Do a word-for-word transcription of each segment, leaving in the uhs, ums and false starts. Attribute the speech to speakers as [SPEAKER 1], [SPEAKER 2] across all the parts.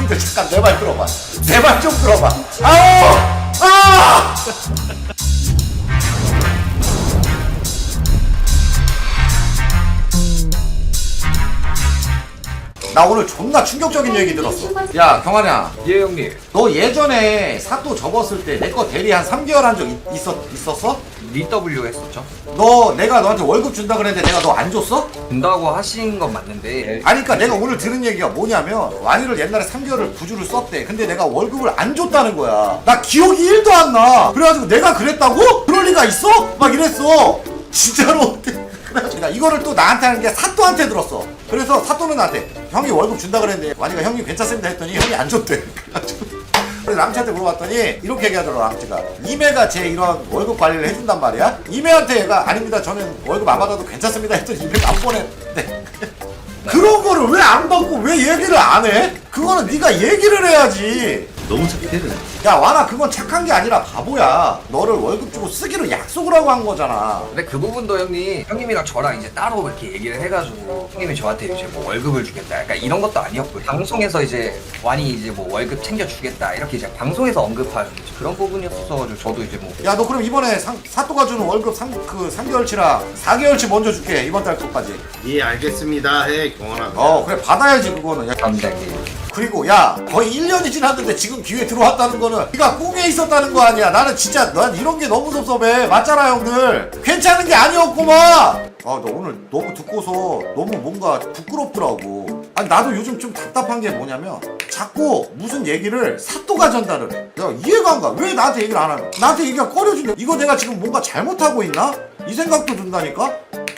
[SPEAKER 1] 형들 잠깐 내 말 들어봐. 내 말 좀 들어봐. 아우! 아! 나 오늘 존나 충격적인 얘기 들었어. 야 경환아,
[SPEAKER 2] 예 형님.
[SPEAKER 1] 너 예전에 사또 접었을 때 내 거 대리 한 삼 개월 한 적 있었, 있었어?
[SPEAKER 2] 리더블유 했었죠.
[SPEAKER 1] 너 내가 너한테 월급 준다 그랬는데 내가 너 안 줬어?
[SPEAKER 2] 준다고 하신 건 맞는데
[SPEAKER 1] 아니 그니까 내가 오늘 들은 얘기가 뭐냐면 완이를 옛날에 삼 개월을 부주를 썼대. 근데 내가 월급을 안 줬다는 거야. 나 기억이 일도 안 나. 그래가지고 내가 그랬다고? 그럴 리가 있어? 막 이랬어. 진짜로. 그래가지고 이거를 또 나한테 하는 게 사또한테 들었어. 그래서 사또는 나한테 형이 월급 준다 그랬는데 완이가 형님 괜찮습니다 했더니 형이 안 줬대. 그래가지고 그래서 랑치한테 물어봤더니 이렇게 얘기하더라고. 랑치가 이매가 제 이런 월급 관리를 해준단 말이야. 이매한테 얘가 아닙니다 저는 월급 안 받아도 괜찮습니다 했더니 이매가 안 보냈대. 그런 거를 왜 안 받고 왜 얘기를 안 해? 그거는 네가 얘기를 해야지.
[SPEAKER 3] 너무 착해.
[SPEAKER 1] 야 와나 그건 착한 게 아니라 바보야. 너를 월급 주고 쓰기로 약속을 하고 한 거잖아.
[SPEAKER 2] 근데 그 부분도 형님 형님이랑 저랑 이제 따로 이렇게 얘기를 해가지고 형님이 저한테 이제 뭐 월급을 주겠다 약간 이런 것도 아니었고 방송에서 이제 완이 이제 뭐 월급 챙겨주겠다 이렇게 이제 방송에서 언급한 그런 부분이었어가지고 저도 이제 뭐
[SPEAKER 1] 야 너 그럼 이번에 상, 사또가 주는 월급 삼, 그 삼 개월치랑 사 개월치 먼저 줄게. 이번 달 거까지.
[SPEAKER 3] 예 알겠습니다. 해 경원아.
[SPEAKER 1] 어 그래 받아야지 그거는. 야,
[SPEAKER 2] 감사합니다 형님.
[SPEAKER 1] 그리고 야 거의 일 년이 지났는데 지금 기회 들어왔다는 거는 네가 꿈에 있었다는 거 아니야. 나는 진짜 난 이런 게 너무 섭섭해. 맞잖아 형들. 괜찮은 게 아니었구만. 아 너 오늘 너무 듣고서 너무 뭔가 부끄럽더라고. 아니 나도 요즘 좀 답답한 게 뭐냐면 자꾸 무슨 얘기를 사또가 전달을 해. 야 이해가 안 가. 왜 나한테 얘기를 안 하냐. 나한테 얘기가 꺼려진다. 이거 내가 지금 뭔가 잘못하고 있나? 이 생각도 든다니까.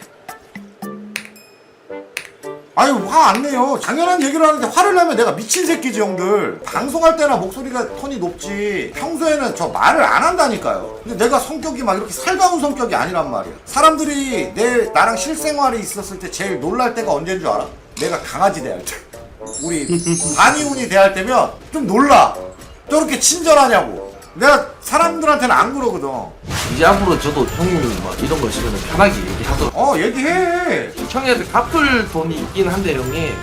[SPEAKER 1] 아유 화 안 내요. 당연한 얘기를 하는데 화를 내면 내가 미친 새끼지 형들. 방송할 때나 목소리가 톤이 높지 평소에는 저 말을 안 한다니까요. 근데 내가 성격이 막 이렇게 살가운 성격이 아니란 말이야. 사람들이 내 나랑 실생활이 있었을 때 제일 놀랄 때가 언제인 줄 알아? 내가 강아지 대할 때. 우리 반이훈이 대할 때면 좀 놀라. 저렇게 친절하냐고. 내가 사람들한테는 안 그러거든.
[SPEAKER 4] 이제 앞으로 저도 형님 뭐 이런 거 있으면 편하게 얘기하도록.
[SPEAKER 1] 어 얘기해.
[SPEAKER 4] 형님한테 갚을 돈이 있긴 한데 형님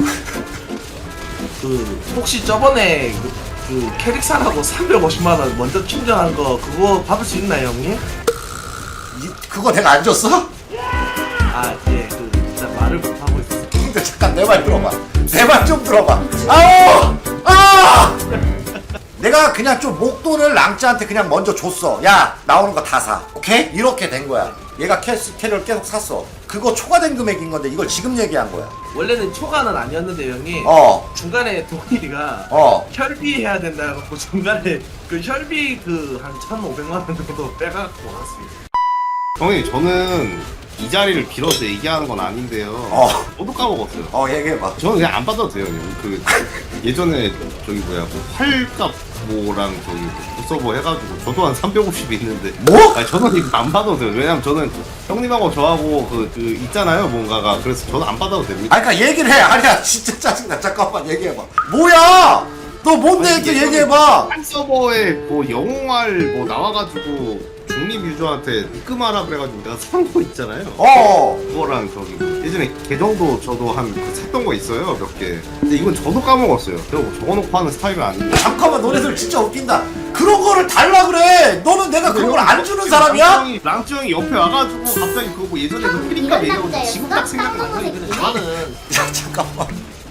[SPEAKER 4] 그 혹시 저번에 그, 그 캐릭사라고 삼백오십만 원 먼저 충전한 거 그거 받을 수 있나요 형님?
[SPEAKER 1] 이, 그거 내가 안 줬어?
[SPEAKER 4] 아예그 진짜 말을 못 하고 있었어.
[SPEAKER 1] 근데 잠깐 내 말 들어봐. 내 말 좀 들어봐. 아우! 아! 내가 그냥 좀 목돈을 랑찌한테 그냥 먼저 줬어. 야 나오는 거 다 사. 오케이? 이렇게 된 거야. 얘가 캐스, 캐리어를 계속 샀어. 그거 초과된 금액인 건데 이걸 지금 얘기한 거야.
[SPEAKER 4] 원래는 초과는 아니었는데 형님
[SPEAKER 1] 어.
[SPEAKER 4] 중간에 동일이가
[SPEAKER 1] 어.
[SPEAKER 4] 혈비 해야 된다 해갖고 중간에 그 혈비 그 한 천오백만 원 정도 빼갖고 왔습니다.
[SPEAKER 3] 형님 저는 이 자리를 빌어서 얘기하는 건 아닌데요.
[SPEAKER 1] 어.
[SPEAKER 3] 저도 까먹었어요.
[SPEAKER 1] 어 얘기해봐.
[SPEAKER 3] 저는 그냥 안 받아도 돼요. 형님. 그 예전에 저기 뭐야 뭐 활값 뭐랑 저기 뭐 서버 해가지고 저도 한 삼백오십 있는데
[SPEAKER 1] 뭐?
[SPEAKER 3] 아니 저는 이거 안 받아도 돼요. 왜냐면 저는 형님하고 저하고 그, 그 있잖아요 뭔가가. 그래서 저는 안 받아도 됩니다.
[SPEAKER 1] 아니 그니까 얘기를 해. 아니야 진짜 짜증나. 잠깐만 얘기해봐. 뭐야? 너 뭔데 이렇게
[SPEAKER 3] 예전에
[SPEAKER 1] 얘기해봐.
[SPEAKER 3] 한 서버에 뭐 영웅활 뭐 나와가지고 중립 유저한테 입금하라 그래가지고 내가 산 거 있잖아요.
[SPEAKER 1] 어.
[SPEAKER 3] 그거랑 저기 뭐 예전에 계정도 저도 한 그 샀던 거 있어요 몇 개. 근데 이건 저도 까먹었어요. 제가 뭐 적어놓고 하는 스타일은 아닌데.
[SPEAKER 1] 잠깐만 너네들 진짜 웃긴다. 그런 거를 달라 그래. 너는 내가 그런 걸 안 주는 사람이야?
[SPEAKER 3] 랑쯔 형이 옆에 와가지고 갑자기 그거 뭐 예전에 그 피리값 얘기하고 지금 딱 생각나서
[SPEAKER 4] 저는
[SPEAKER 1] 야 잠깐만.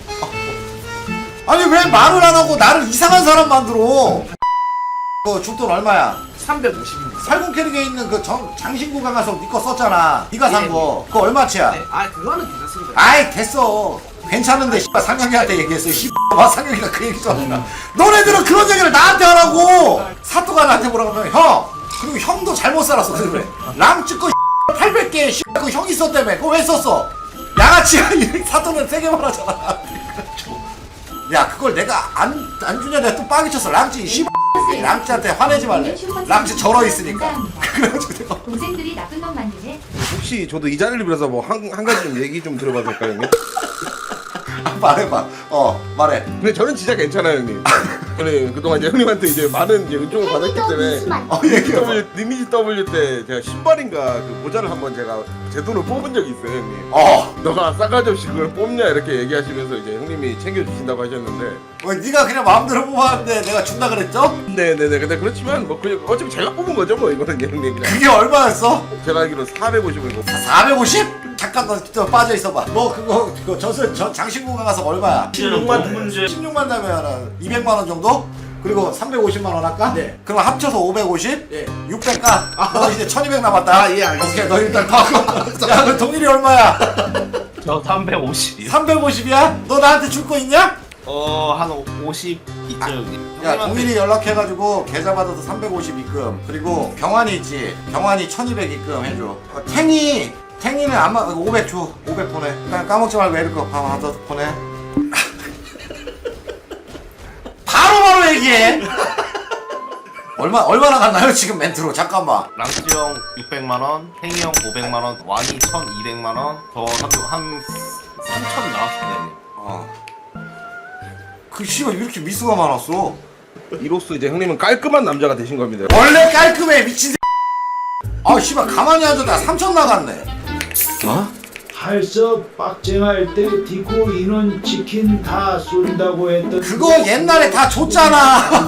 [SPEAKER 1] 아니 왜 말을 안 하고 나를 이상한 사람 만들어? 그 줄돈 얼마야?
[SPEAKER 4] 삼백오십입니다.
[SPEAKER 1] 살gun 캐릭에 있는 그 정, 장신구가 가서 니 거 썼잖아. 니가 산
[SPEAKER 4] 예,
[SPEAKER 1] 거. 그거 얼마치야?
[SPEAKER 4] 네, 아 그거는 괜찮습니다.
[SPEAKER 1] 아이 됐어. 괜찮은데 씨발 상혁이한테 얘기했어. 씨발 상혁이가 그 얘기 잖아. 너네들은 그런 얘기를 나한테 하라고. 사또가 나한테 뭐라고 하면 형. 그리고 형도 잘못 살았어. 그래. 랑ጭ 거 팔백 개 씨발 그 형이 썼다며. 그거 왜 썼어? 양아치가 사또는 세게 말하잖아. 야 그걸 내가 안, 안 주냐 내가 또 빠개 쳤어. 랑찌 씨발 랑찌한테 화내지 말래. 랑찌 절어 있으니까. 그래가지고 내가
[SPEAKER 5] 동생들이 나쁜 놈 만드네.
[SPEAKER 6] 혹시 저도 이 자리를 빌어서 뭐 한 한 가지 좀 얘기 좀 들어봐도 될까요, 형님?
[SPEAKER 1] 말해봐. 어 말해.
[SPEAKER 5] 근데 저는 진짜 괜찮아요 형님. 저는 그동안 이제 형님한테 이제 많은 이제 은총을 받았기 때문에
[SPEAKER 1] 어 얘기해봐.
[SPEAKER 5] W, 리니지 W 때 제가 신발인가 그 모자를 한번 제가 제 돈을 뽑은 적이 있어요 형님.
[SPEAKER 1] 어.
[SPEAKER 5] 너가 싸가지 없이 그걸 뽑냐 이렇게 얘기하시면서 이제 형님이 챙겨주신다고 하셨는데
[SPEAKER 1] 어, 네가 그냥 마음대로 뽑았는데 내가 준다 그랬죠?
[SPEAKER 5] 네네네 근데 그렇지만 뭐 그냥 어차피 제가 뽑은 거죠 뭐 이거는 형님 그냥
[SPEAKER 1] 그게 얼마였어?
[SPEAKER 5] 제가 알기로 사백오십이고
[SPEAKER 1] 사백오십? 잠깐 너 좀 빠져 있어봐. 너 그거 그거 저서 저 장신구가 가서 얼마야?
[SPEAKER 4] 십육만
[SPEAKER 1] 십육만 달러면 이백만 원 정도? 그리고 삼백오십만 원 할까?
[SPEAKER 4] 네.
[SPEAKER 1] 그럼 합쳐서 오백오십?
[SPEAKER 4] 예.
[SPEAKER 1] 육백 가. 너 이제 천이백 남았다.
[SPEAKER 4] 아, 예, 알겠습니다.
[SPEAKER 1] 오케이, 너 일단 더. 야, 그 동일이 얼마야?
[SPEAKER 3] 저 삼백오십이요.
[SPEAKER 1] 삼백오십이야? 너 나한테 줄 거 있냐?
[SPEAKER 3] 어한 오십 있죠 형님.
[SPEAKER 1] 야,
[SPEAKER 3] 형님한테
[SPEAKER 1] 동일이 연락해가지고 계좌 받아서 삼백오십 입금. 그리고 경환이 있지. 경환이 천이백 입금 해줘. 어, 탱이 탱이는 아마 오백 줘. 오백 보내. 그냥 까먹지 말고 에르거 밥 하나 더 보내. 바로바로 얘기해. 얼마 얼마나 갔나요 지금 멘트로? 잠깐만.
[SPEAKER 3] 랑스 형 육백만 원, 행이 형 오백만 원, 완이 천이백만 원, 저한 삼천 나왔습니다 형님.
[SPEAKER 1] 어. 그 씨발 이렇게 미수가 많았어.
[SPEAKER 5] 이로써 이제 형님은 깔끔한 남자가 되신 겁니다.
[SPEAKER 1] 원래 깔끔해 미친. 아 씨발 가만히 앉았다 삼천 나갔네.
[SPEAKER 5] 어?
[SPEAKER 6] 할서 빡쟁할 때 디코 인원 치킨 다 쏜다고 했던
[SPEAKER 1] 그거 옛날에 다 줬잖아.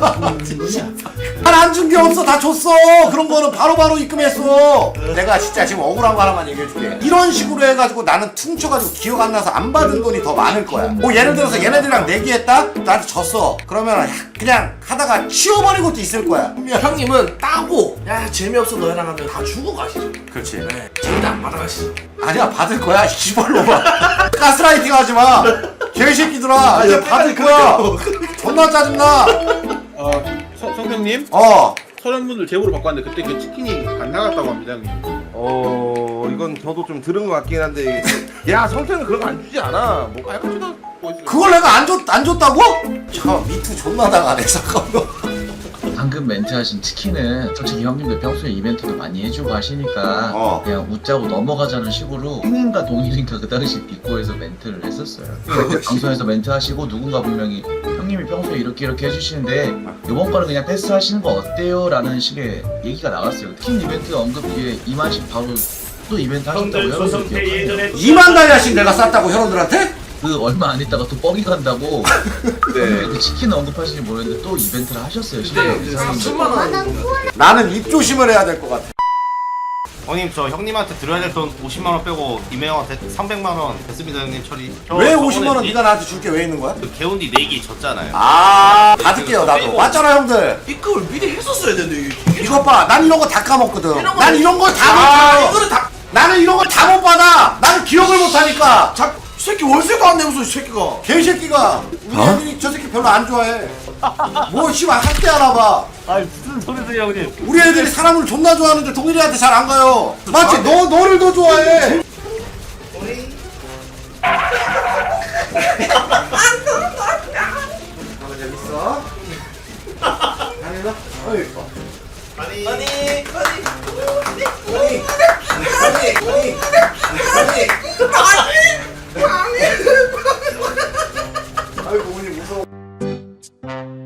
[SPEAKER 1] 한 안 준 게 없어. 다 줬어. 그런 거는 바로바로 입금했어. 내가 진짜 지금 억울한 거 하나만 얘기해줄게. 이런 식으로 해가지고 나는 퉁쳐가지고 기억 안 나서 안 받은 돈이 더 많을 거야. 뭐 예를 들어서 얘네들이랑 내기했다? 나한테 졌어. 그러면 그냥 하다가 치워버린 것도 있을 거야.
[SPEAKER 4] 형님은 따고 야 재미없어 너희랑 하면 다 주고 가시죠.
[SPEAKER 1] 그렇지.
[SPEAKER 4] 네. 재미도 안 받아가시죠.
[SPEAKER 1] 아니야 받을 거야. 시발로 봐. 가스라이팅 하지 마. 개새끼들아. 이제 받을 거야. 존나 짜증나.
[SPEAKER 7] 어, 성, 성평님?
[SPEAKER 1] 어.
[SPEAKER 7] 서련분들 제보를 받고 왔는데 그때 그 치킨이 안 나갔다고 합니다 형님.
[SPEAKER 5] 어 이건 저도 좀 들은 것 같긴 한데 야 성태는 그런 거 안 주지 않아. 뭐 깔끔하다. 뭐 있어요.
[SPEAKER 1] 그걸 내가 안 줬, 안 줬다고? 참 미투 존나 당하네 잠깐만.
[SPEAKER 8] 방금 멘트하신 치킨은 솔직히 형님들 평소에 이벤트도 많이 해주고 하시니까
[SPEAKER 1] 어.
[SPEAKER 8] 그냥 웃자고 넘어가자는 식으로 형님과 동일인가 그 당시 비코에서 멘트를 했었어요. 방송에서 멘트하시고 누군가 분명히 형님이 평소에 이렇게 이렇게 해주시는데 이번 거는 그냥 패스하시는 거 어때요? 라는 식의 얘기가 나왔어요. 치킨 이벤트 언급 뒤에 이만씩 바로 또 이벤트 하셨다고 여러분들 기억하세요?
[SPEAKER 1] 이만 달러씩 내가 쌌다고 혈원들한테?
[SPEAKER 8] 그 얼마 안 있다가 또 뻥이 간다고
[SPEAKER 5] 네.
[SPEAKER 8] 그 치킨 언급하시는지 모르겠는데 또 이벤트를 하셨어요.
[SPEAKER 4] 근데
[SPEAKER 8] 실제로.
[SPEAKER 4] 삼천만 원
[SPEAKER 1] 나는 입 조심을 해야 될 것 같아.
[SPEAKER 3] 형님 저 형님한테 드려야 될 돈 오십만 원 빼고 이명 형한테 삼백만 원 됐습니다 형님 처리. 저
[SPEAKER 1] 왜
[SPEAKER 3] 저번에
[SPEAKER 1] 오십만 원
[SPEAKER 3] 네-
[SPEAKER 1] 네가 나한테 줄 게 왜 있는 거야?
[SPEAKER 3] 그 개운디 내기 졌잖아요.
[SPEAKER 1] 아 받을게요 나도. 맞잖아 형들.
[SPEAKER 4] 입금을 미리 했었어야 되는데 이게
[SPEAKER 1] 이것 봐. 난 이런 거 다 까먹거든.
[SPEAKER 4] 이런 거-
[SPEAKER 1] 난 이런 걸 다 못
[SPEAKER 4] 아,
[SPEAKER 1] 받아.
[SPEAKER 4] 이거는 다
[SPEAKER 1] 나는 이런 걸 다 못 받아. 나는 기억을 못 하니까.
[SPEAKER 4] 자, 이 새끼 월세도 안 내면서 이 새끼가
[SPEAKER 1] 개새끼가 우리 애들이 저 새끼 별로 안 좋아해. 뭐 씨발 학대 하나 봐.
[SPEAKER 3] 아니 무슨 소리세요 형님?
[SPEAKER 1] 우리 애들이 사람을 존나 좋아하는데 동일이한테 잘 안 가요. 맞지? 너 너를 더 좋아해. 가만 좀 있어. 아니 나. 어이 이뻐.
[SPEAKER 4] 아니 아니 아니
[SPEAKER 1] 아니 아니 아니 아이고 어머니 무서워.